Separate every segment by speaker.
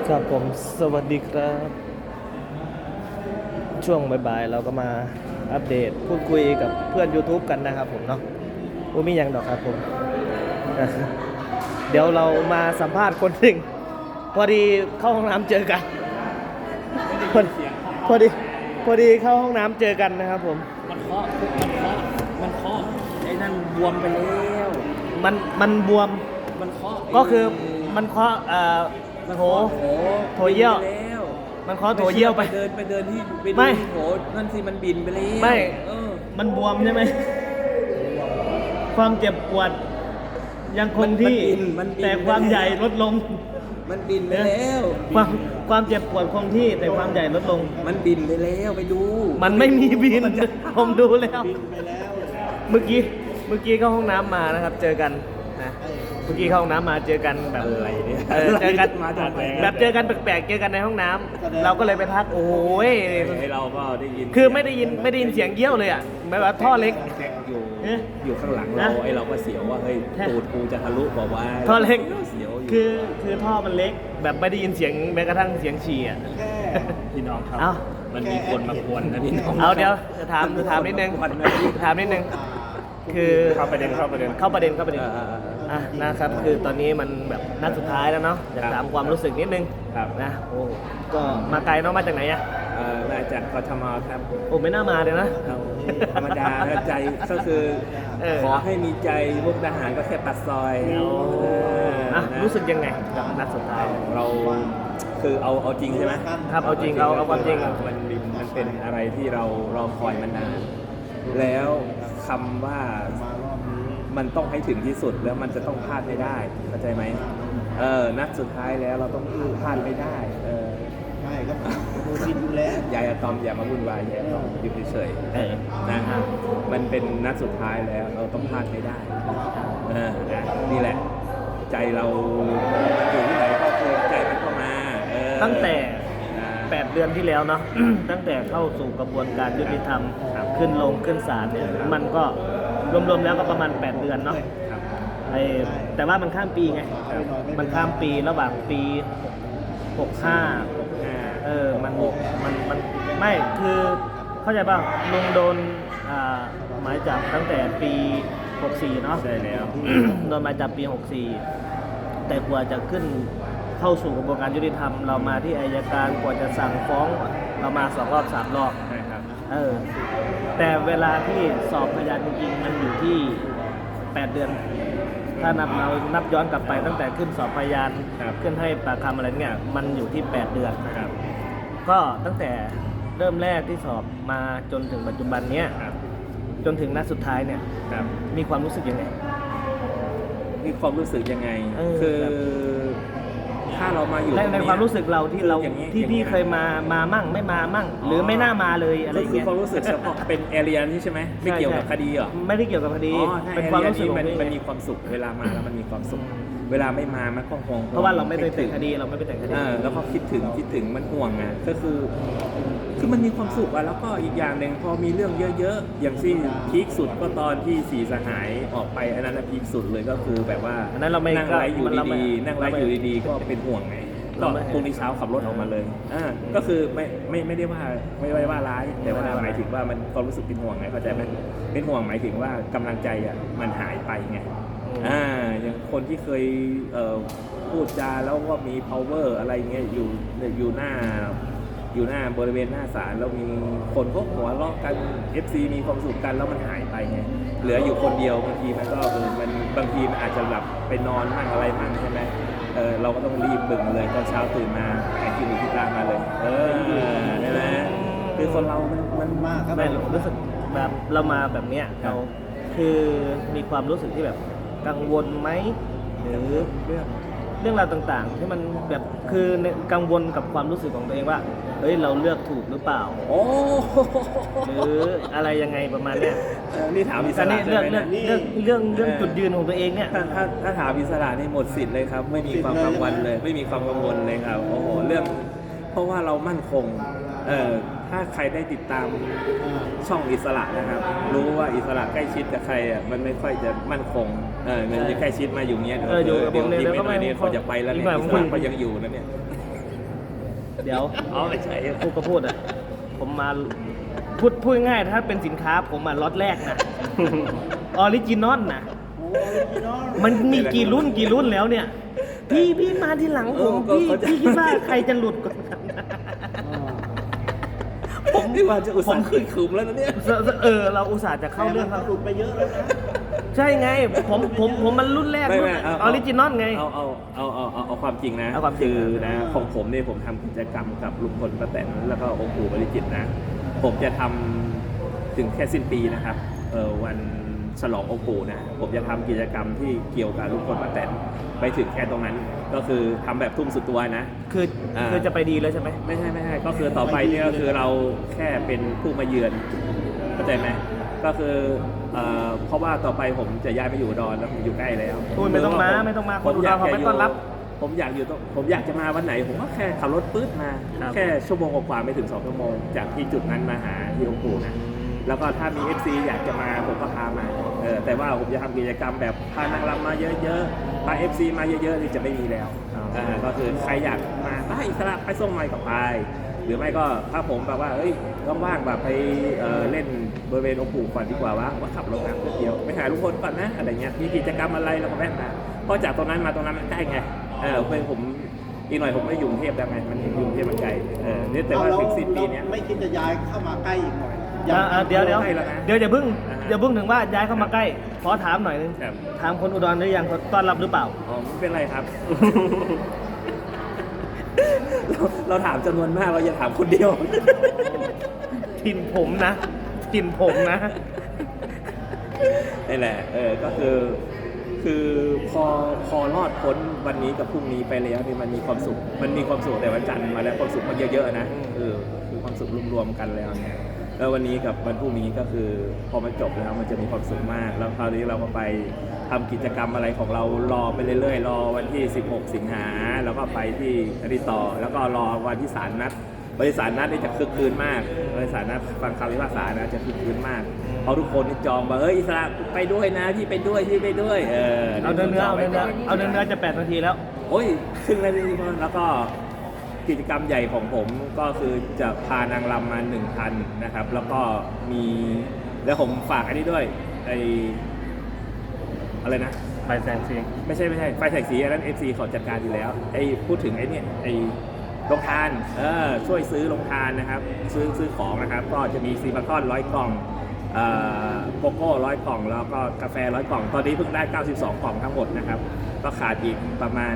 Speaker 1: ครับผมสวัสดีครับช่วงบ่ายๆเราก็มาอัปเดตพูดคุยกับเพื่อน YouTube กันนะครับผมเนาะมีอย่างดอกครับผมเดี๋ยวเรามาสัมภาษณ์คนหนึ่งพอดีเข้าห้องน้ำเจอกันพอพอดีพอดีเข้าห้องน้ำเจอกันนะครับผม
Speaker 2: มันเคาะไอ้นั่นบวมไปแล้ว
Speaker 1: มันบวม
Speaker 2: มันเคาะ
Speaker 1: ก็คือมันเคาะโถเยี่ยวมันเคาะโถเยี่ยวไป
Speaker 2: เดินที่
Speaker 1: ไม่
Speaker 2: โถนั่นสิมันบินไปแล้ว
Speaker 1: ไม่มันบวมใช่ไหมความเจ็บปวดยังคงที่แต่ความใหญ่ลดลง
Speaker 2: มันบินไปแล้ว
Speaker 1: ความเจ็บปวดคงที่แต่ความใหญ่ลดลง
Speaker 2: มันบินไปแล้วไปดู
Speaker 1: มันไม่มีบินผมดูแล้วเมื่อกี้เข้าห้องน้ำมานะครับเจอกันนะเมื่อกี้เข้าห้องน้ำมาเจอกันแบบ
Speaker 2: อะไรเนี่ย
Speaker 1: เจอกันแบบเจอกันแปลกๆเจอกันในห้องน้ำเราก็เลยไปทักโอ้ย
Speaker 2: เราก็ได้ยิน
Speaker 1: คือไม่ได้ยินเสียงเยี่ยวเลยอ่ะไม่ว่าท่อเล็ก
Speaker 2: อยู่ข้างหลังเราเราก็เสียวว่าเฮ้ยตูดกูจะทะลุบอกว่า
Speaker 1: ท่อเล็ก
Speaker 2: เสียว
Speaker 1: คือท่อมันเล็กแบบไม่ได้ยินเสียงแม้กระทั่งเสียงฉี่อ่ะ
Speaker 2: พี่น้องครับมันมีคนมากวนนะพี่น้อง
Speaker 1: เดี๋ยวจะถามนิดนึงคือ
Speaker 2: เข้าประเด็น
Speaker 1: นะครับคือตอนนี้มันแบบนัดสุดท้ายแล้วเนาะอยากถามความรู้สึกนิดนึงนะโอ้ก็มาไกลเนาะมาจากไหนอะ
Speaker 2: มาจากกทมครับ
Speaker 1: โอ้ไม่น่ามาเลยนะ
Speaker 2: ธรรมดาใจก็คือขอให้มีใจมุกดาหารก็แค่ปัดซอย
Speaker 1: รู้สึกยังไงกับนัดสุดท้าย
Speaker 2: เราคือเอาจริงใช่ไหม
Speaker 1: ครับเอาจริงเอาความจริง
Speaker 2: มันเป็นอะไรที่เราคอยมานานแล้วคำว่ามันต้องให้ถึงที่สุดแล้วมันจะต้องพลาดไม่ได้เข้าใจไหมนัดสุดท้ายแล้วเราต้องพลาดไม่ได้
Speaker 3: ไม่ก็ดูสิดูแล้ว
Speaker 2: ยายอะตอมอย่ามาวุ่นวายยายอะตอมอยู่เฉยๆนะมันเป็นนัดสุดท้ายแล้วเราต้องพลาดไม่ได้นี่แหละใจเราอยู่ที่ไหนก็คือใจมันเข้ามา
Speaker 1: ตั้งแต่8 เดือนที่แล้วเนาะ ตั้งแต่เข้าสู่กระบวนการยุติธรรมขึ้นศาลเนี่ยมันก็รวมๆแล้วก็ประมาณ8 เดือนเนาะแต่ว่ามันข้ามปีไงมันข้ามปีระหว่างปี65มันไม่คือเข้าใจป่ะลุงโดนหมายจับตั้งแต่ปี64เนาะ
Speaker 2: ใช่แล้ว
Speaker 1: โดนหมายจับปี64แต่กว่าจะขึ้นเข้าสู่กระบวนการยุติธรรมเรามาที่อัยการกว่าจะสั่งฟ้องเรามา2 รอบ 3 รอบ
Speaker 2: ใช่ครับ
Speaker 1: แต่เวลาที่สอบพยานจริงๆมันอยู่ที่8 เดือนถ้านับย้อนกลับไปตั้งแต่ขึ้นสอบพยานขึ้นให้ปากคำอะไรเนี่ยมันอยู่ที่8 เดือนก็ตั้งแต่เริ่มแรกที่สอบมาจนถึงปัจจุบันเนี้ยจนถึงนัดสุดท้ายเนี่ยมีความรู้สึกยังไง
Speaker 2: คือถ้าเรามาอยู่
Speaker 1: ในความรู้สึกเราที่พี่เคยมามั่งไม่มามั่งหรือไม่น่ามาเลยอะไรอย่างเงี้ย
Speaker 2: คือความรู้สึกเฉพาะเป็นแอเรียนี่ใช่ไหมไม่เกี่ยวกับคดีเหรอ
Speaker 1: ไม่ได้เกี่ยวกับคดี
Speaker 2: เป็นความรู้สึกมันมีความสุขเวลามาแล้วมันมีความสุขเวลาไม่มามันก็ห่วง
Speaker 1: เพราะว่าเราไม่ไปแต่งคดีเราไม่ไปแต่งคดี
Speaker 2: แล้วก็คิดถึงมันห่วงอ่ะก็คือมันมีความสุขอ่ะแล้วก็อีกอย่างหนึ่งพอมีเรื่องเยอะๆอย่างที่พีคสุดก็ตอนที่4 สหายออกไปอันนั้นพีคสุดเลยก็คือแบบว่านั่งไลฟ์อยู่ดีๆก็เป็นห่วงไงก็พรุ่งนี้เช้าขับรถออกมาเลยก็คือไม่ได้ว่าร้ายแต่ว่าหมายถึงว่ามันความรู้สึกเป็นห่วงไงเข้าใจไหมเป็นห่วงหมายถึงว่ากำลังใจอ่ะมันหายไปไงอย่างคนที่เคยพูดจาแล้วก็มี power อะไรเงี้ยอยู่หน้าบริเวณหน้าศาลแล้วมีคนพวกหัวเราะกัน FC มีความสุขกันแล้วมันหายไปไงเหลืออยู่คนเดียวบางทีมันก็บางทีมันอาจจะหลับไปนอนมั่งอะไรมั่งใช่ไหมเราก็ต้องรีบบึ่งเลยตอนเช้าตื่นมาหายกินหรือที่ตามมาเลยใช่ไหมคือคนเรามัน
Speaker 1: มากครับรู้สึกแบบเรามาแบบเนี้ยเราคือมีความรู้สึกที่แบบกังวลไหมหรือเรื่องราวต่างๆที่มันแบบคือกังวลกับความรู้สึกของตัวเองว่าเฮ้ยเราเลือกถูกหรือเปล่าหรืออะไรยังไงประมาณเนี้ย
Speaker 2: นี่ถามอิสระ
Speaker 1: ใช่ไหมเรื่องจุดยืนของตัวเองเนี่ย
Speaker 2: ถ้าถามอิสระนี่หมดสิทธิ์เลยครับไม่มีความกังวลเลยไม่มีความกังวลเลยครับโอ้โหเรื่องเพราะว่าเรามั่นคงถ้าใครได้ติดตามช่องอิสระนะครับรู้ว่าอิสระใกล้ชิดกับใครอ่ะมันไม่ค่อยจะมั่นคงมันจะใกล้ชิดมาอยู่เนี้ยเดี๋ยวอีกไม่นานนี้เขาจะไปแล้วเนี่ยอิสระก็ยังอยู่นะเนี่ย
Speaker 1: เดี๋ยว
Speaker 2: อ๋อไม่ใช่
Speaker 1: พูดก็พูดอ่ะผมมาพูดง่ายๆถ้าเป็นสินค้าผมมาล็อตแรกนะ ออริจินอลนะ
Speaker 3: โอ้ออริจินอล
Speaker 1: มันมีกี่รุ่นแล้วเนี่ย พี่มาทีหลังผมพี่คิดว่าใครจะหลุดก่อนกัน
Speaker 2: ผม ที่ว่าจะอุตส่าห์ขึ้นขุมแล้วนะเนี่ย
Speaker 1: เราอุตส่าห์จะเข้าเรื่องครับ
Speaker 3: หลุดไปเยอะแล้วนะ
Speaker 1: ใช่ไงผมมันรุ่นแรก
Speaker 2: ไม่
Speaker 1: รุ่น
Speaker 2: ไม่
Speaker 1: ออริจินอลไง
Speaker 2: เอาความจริงนะ
Speaker 1: เอาความจริง
Speaker 2: คือนะของผมเนี่ยผมทำกิจกรรมกับลุงพลป้าแตนแล้วก็องค์ปู่บริจิตรนะ ผมจะทำถึงแค่สิ้นปีนะครับวันฉลององค์ปู่นะผมจะทำกิจกรรมที่เกี่ยวกับลุงพลป้าแตนไปถึงแค่ตรงนั้น ก็คือทำแบบทุ่มสุดตัวนะ
Speaker 1: คือจะไปดีเลยใช่ไหม
Speaker 2: ไม่ใช่ก็คือต่อไปเนี่ยก็คือเราแค่เป็นผู้มาเยือนเข้าใจไหมก็คือเพราะว่าต่อไปผมจะย้ายมาอยู่อุดรแล้วผมอยู่ใกล้แล้ว
Speaker 1: คุณไม่ต้องมาคนอุดรเขาไม่ต้อนรับ
Speaker 2: ผมอยากจะมาวันไหนผมก็แค่ขับรถปื๊ดมา
Speaker 1: ครับ
Speaker 2: แค่ชั่วโมงกว่าๆไม่ถึง2 ชั่วโมงจากที่จุดนั้นมาหาที่องค์ปู่นะแล้วก็ถ้ามี FC อยากจะมาผมก็พามาแต่ว่าผมจะทำกิจกรรมแบบพานางรำมาเยอะๆพา FC มาเยอะๆนี่จะไม่มีแล้วก็คือใครอยากมาไปอิสระไปส่งไมค์กับไปหรือไม่ก็ถ้าผมแบบว่าว่างๆแบบไปเล่นบริเวณองค์ปู่ก่อนดีกว่าว่าขับรถน้ำเดียวไปหาลุงพลก่อนนะอะไรเงี้ยมีกิจกรรมอะไรเราก็แวะมาเพราะจากตรงนั้นมาตรงนั้นมันใกล้ไงเป็นผมอีกหน่อยผมไม่อยู่กรุงเทพแล้วไงมันอยู่กรุงเทพมันไกลเนี่ยแต่ว่าถึง10 ปีเนี้ย
Speaker 3: ไม่คิดจะย้ายเข้ามาใกล้อีกหน่อย
Speaker 1: เดี๋ยว
Speaker 2: ใกล้แล้วนะ
Speaker 1: อย่าเพิ่งถึงว่าย้ายเข้ามาใกล้ขอถามหน่อยนึง
Speaker 2: ครับ
Speaker 1: ถามคนอุดรหรือยังเขาต้อนรับหรือเปล่า
Speaker 2: อ๋อไม่เป็นไรครับ เราถามจำนวนมากเราอย่าถามคนเดียว
Speaker 1: ถิ่นผมนะ
Speaker 2: นี่แหละก็คือพอรอดพ้นวันนี้กับพรุ่งนี้ไปแล้วนี่มันมีความสุขแต่วันจันทร์มาแล้วความสุขมันเยอะๆนะคือความสุขรวมๆกันแล้วเนี่ยแล้ววันนี้กับวันพรุ่งนี้ก็คือพอมันจบแล้วมันจะมีความสุขมาก แล้วคราวนี้เราก็ไปทำกิจกรรมอะไรของเรารอไปเรื่อยๆรอวันที่16 สิงหาแล้วก็ไปที่อริต่อแล้วก็รอวันที่ศาลนัดบริษัทนัดนี่จะคึกคืนมากบริษัทนัดฟังคำพิพากษานะจะคึกคืนมากเพราะทุกคนนี่จองว่าอิสระไปด้วยนะที่ไปด้วย
Speaker 1: เอาเนื้อจะ8 นาทีแล้ว
Speaker 2: โอ้ยครึ่งนาทีพอแล้วก็กิจกรรมใหญ่ของผมก็คือจะพานางรำมา1,000นะครับแล้วก็มีแล้วผมฝากอันนี้ด้วยอะไรนะ
Speaker 1: ไฟแสงสี
Speaker 2: ไม่ใช่ไฟแสงสีอันนั้น FC เขาจัดการอยู่แล้วพูดถึงโรงทานช่วยซื้อโรงทานนะครับซื้อของนะครับก็จะมีซีบาคอน100 กล่องโกโก้100 กล่องแล้วก็กาแฟ100 กล่องตอนนี้เพิ่งได้92 กล่องทั้งหมดนะครับก็ขาดอีกประมาณ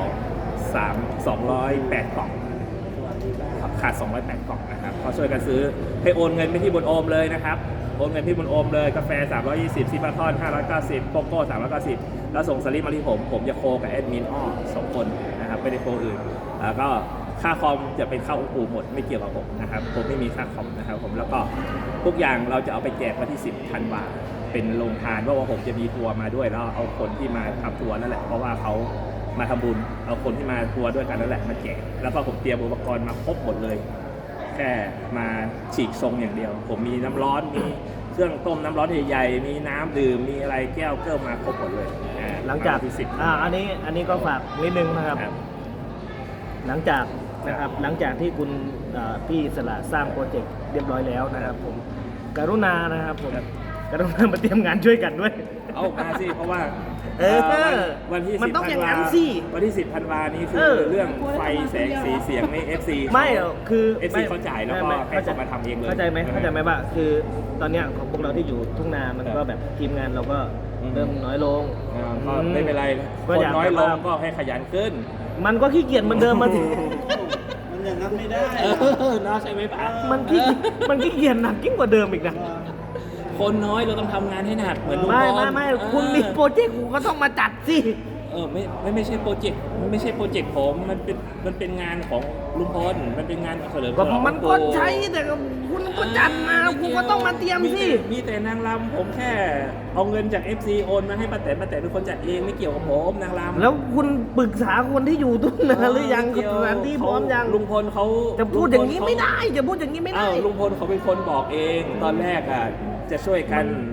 Speaker 2: 208 กล่องขาด208 กล่องนะครับก็ช่วยกันซื้อให้โอนเงินไปที่บนโอมเลยนะครับโอนเงินที่บนโอมเลยกาแฟ320ซีบาคอน590โกโก้390แล้วส่งสลิปมาที่ผมจะโคกับแอดมิน2 คนนะครับไม่ได้โคอื่นแล้วก็ค่าคอมจะเป็นค่าองค์ปู่หมดไม่เกี่ยวกับผมนะครับผมไม่มีค่าคอมนะครับผมแล้วก็ทุกอย่างเราจะเอาไปแจกวันที่10 ธันวาเป็นโรงทานเพราะว่าผมจะมีทัวร์มาด้วยแล้วเอาคนที่มาทำทัวร์นั่นแหละเพราะว่าเขามาทำบุญเอาคนที่มาทัวร์ด้วยกันนั่นแหละมาแจกแล้วก็ผมเตรียมอุปกรณ์มาครบหมดเลยแค่มาฉีกทรงอย่างเดียวผมมีน้ำร้อนมีเครื่องต้มน้ำร้อนใหญ่ๆมีน้ำดื่มมีอะไรแก้วเกิลมาครบหมดเลย
Speaker 1: หลังจาก
Speaker 2: ที่10
Speaker 1: อันนี้ก็ฝากนิดนึงนะครับ หลังจากที่คุณพี่อิสระสร้างโปรเจกต์เรียบร้อยแล้วนะครับผมกรุณานะครับผมกรุณามาเตรียมงานช่วยกันด้วย
Speaker 2: เอามาสิเพราะว่า วันที่
Speaker 1: มัน
Speaker 2: 10
Speaker 1: ต้องอย่าง
Speaker 2: ธั
Speaker 1: นั้น
Speaker 2: นวา
Speaker 1: สิ
Speaker 2: วันที่10 ธันวานี้คือเรื่องไฟแสงสีเสียงใน FC
Speaker 1: ไม่คือ
Speaker 2: FC เขาจ่ายแล้วก็ให้เขามาทำเองเลย
Speaker 1: เข้าใจไหมว่าคือตอนเนี้ยของพวกเราที่อยู่ทุ่งนามันก็แบบทีมงานเราก็เริ่มน้อยลง
Speaker 2: ก็ไม่เป็นไร
Speaker 1: ก็
Speaker 2: คน
Speaker 1: อยาก
Speaker 2: น้อยล
Speaker 1: แบบ
Speaker 2: ง
Speaker 1: ว่า
Speaker 2: ก็ให้ขยันขึ้น
Speaker 1: มันก็ขี้เกียจเหมือนเดิมมัน
Speaker 3: มันอย่างนั้นไม่ได้
Speaker 2: น่าใช่ไหมป้า
Speaker 1: มันขี้เกียจหนักยิ่งกว่าเดิมอีกนะ
Speaker 2: คนน้อยเราต้องทำงานให้หนักเหมือนลุง
Speaker 1: ไม่คุณมีโปรเจกต์คุณก็ต้องมาจัดสิ
Speaker 2: ไม่ใช่โปรเจกต์ผมมันเป็นงานของลุงพลมันเป็นงานเฉลิมฉ
Speaker 1: ก็
Speaker 2: ลอง
Speaker 1: มันก็ใช้แต่คุณก็จัดมาคุณก็ต้องมาเตรียมสิ
Speaker 2: มีแต่นางรำผมแค่เอาเงินจาก FC โอนมาให้ป้าแตนเป็นคนจัดเองไม่เกี่ยวกับผมนางรำ
Speaker 1: แล้วคุณปรึกษาคนที่อยู่ทุ่งนาหรือยัง
Speaker 2: ไม่เกี่ยว
Speaker 1: สถานที่พร้อมยัง
Speaker 2: ลุงพลเขา
Speaker 1: จะพูดอย่างนี้ไม่ได้จะพูดอย่างนี้ไม่ได้
Speaker 2: ลุงพลเขาเป็นคนบอกเองตอนแรกอ่ะจะช่วยกัน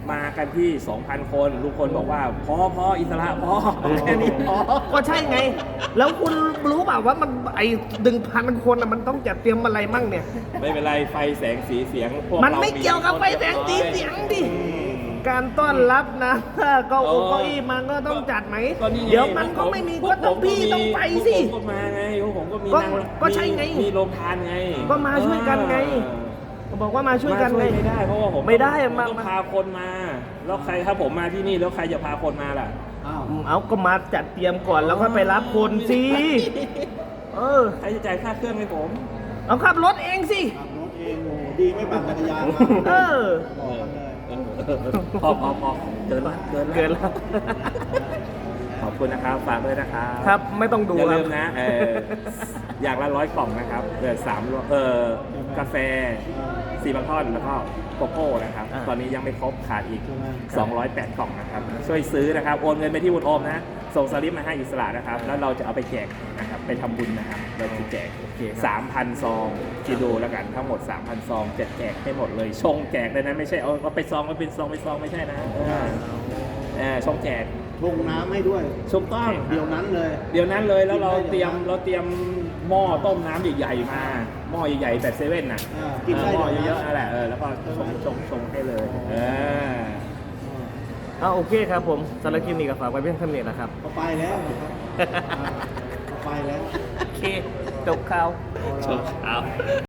Speaker 2: มากันที่ 2,000 คนลุงพลบอกว่าพออิสระพอแค่นี้พอ
Speaker 1: ก็ใช่ไง แล้วคุณรู้เปล่าว่ามันไอ้1,000 คนมันต้องจัดเตรียมอะไรมั่งเนี่ย
Speaker 2: ไม่เป็นไรไฟแสงสีเสียงพวก
Speaker 1: มัน
Speaker 2: เรา
Speaker 1: ไม่เกี่ยวกับไฟแสงสีเสียงดิ การต้อนรับนะเก็เก้าอี้มันก็ต้องจัดไหม
Speaker 2: ก็นี่ไง
Speaker 1: เดี๋ยวมันก็ไม่มีก็ต้องพี่ต้องไปสิ
Speaker 2: พวกผมก็มาไงพวกผมก็มี
Speaker 1: ก็
Speaker 2: นาง
Speaker 1: ก็ใช่ไง
Speaker 2: มีโรงทานไง
Speaker 1: ก็มาช่วยกันไง บอกว่ามาช่วยกันไง
Speaker 2: มาไม่ได้เพราะว่าผม
Speaker 1: ไม่ได้
Speaker 2: ผมต้อง
Speaker 1: มา
Speaker 2: พาคนมา แล้วใครถ้าผมมาที่นี่แล้วใครจะพาคนมาล่ะ
Speaker 3: อ้าว
Speaker 1: เอาก็มาจัดเตรียมก่อนแล้วก็ไปรับคนสิเออ
Speaker 2: ใครจะจ่ายค่าเครื่องให้ผม
Speaker 1: เอาขับรถเองสิ
Speaker 3: ขับรถเองโอ้โหดีไม่ปั่นจักรยานมา
Speaker 1: เออ
Speaker 3: บอกกันเลย
Speaker 2: พอเกินละ
Speaker 1: เกินแล้ว
Speaker 2: ขอบคุณนะครับฝากด้วยนะครับ
Speaker 1: ครับไม่ต้องดู
Speaker 2: อย่า
Speaker 1: ครั
Speaker 2: ลื
Speaker 1: บ
Speaker 2: มนะอย่างละ100 กล่องนะครับกาแฟ4 บางท่อนแล้วก็โกโก้นะครับ
Speaker 1: อ่า
Speaker 2: ตอนนี้ยังไม่ครบขาดอีก 208 กล่องนะครับ ช่วยซื้อนะครับ โอนเงินไปที่บุญโอมนะ ส่งสลิปมาให้อิสระนะครับ แล้วเราจะเอาไปแจกนะครับ ไปทำบุญนะครับ เราจะแจก 3,000 ซองคิดดูแล้วกันทั้งหมด 3,000 ซองจะแจกให้หมดเลย ชงแจกเลยนะ ไม่ใช่เอาไปซองมาเป็นซองไม่ใช่นะชงแจก
Speaker 3: ลงน้ำให้ด้วย
Speaker 2: ถูกต้อง
Speaker 3: เดี๋ยวนั้นเลย
Speaker 2: เดี๋ยวนั้นเลยแล้วเรา
Speaker 3: กินได้
Speaker 2: เตรียม
Speaker 3: เดี๋ยวนั้น
Speaker 2: เราเตรียมหม้อต้มน้ำใหญ่ๆมาหม้อใหญ่ๆแบบเซเว่นน่ะ
Speaker 3: กินได้
Speaker 2: หม้อ
Speaker 3: เดี๋ยวนั้น
Speaker 2: เยอะๆนั่นแหละแล้วก็ชงให้เลย
Speaker 1: เอาโอเคครับผมสารบคลิปนี้ก็ฝากไว้เพียงเท่านี้นะครับ
Speaker 3: เขาไปแล้วนะครับเขาไปแล้ว
Speaker 1: โอเค จบข่าว
Speaker 2: ชงครับ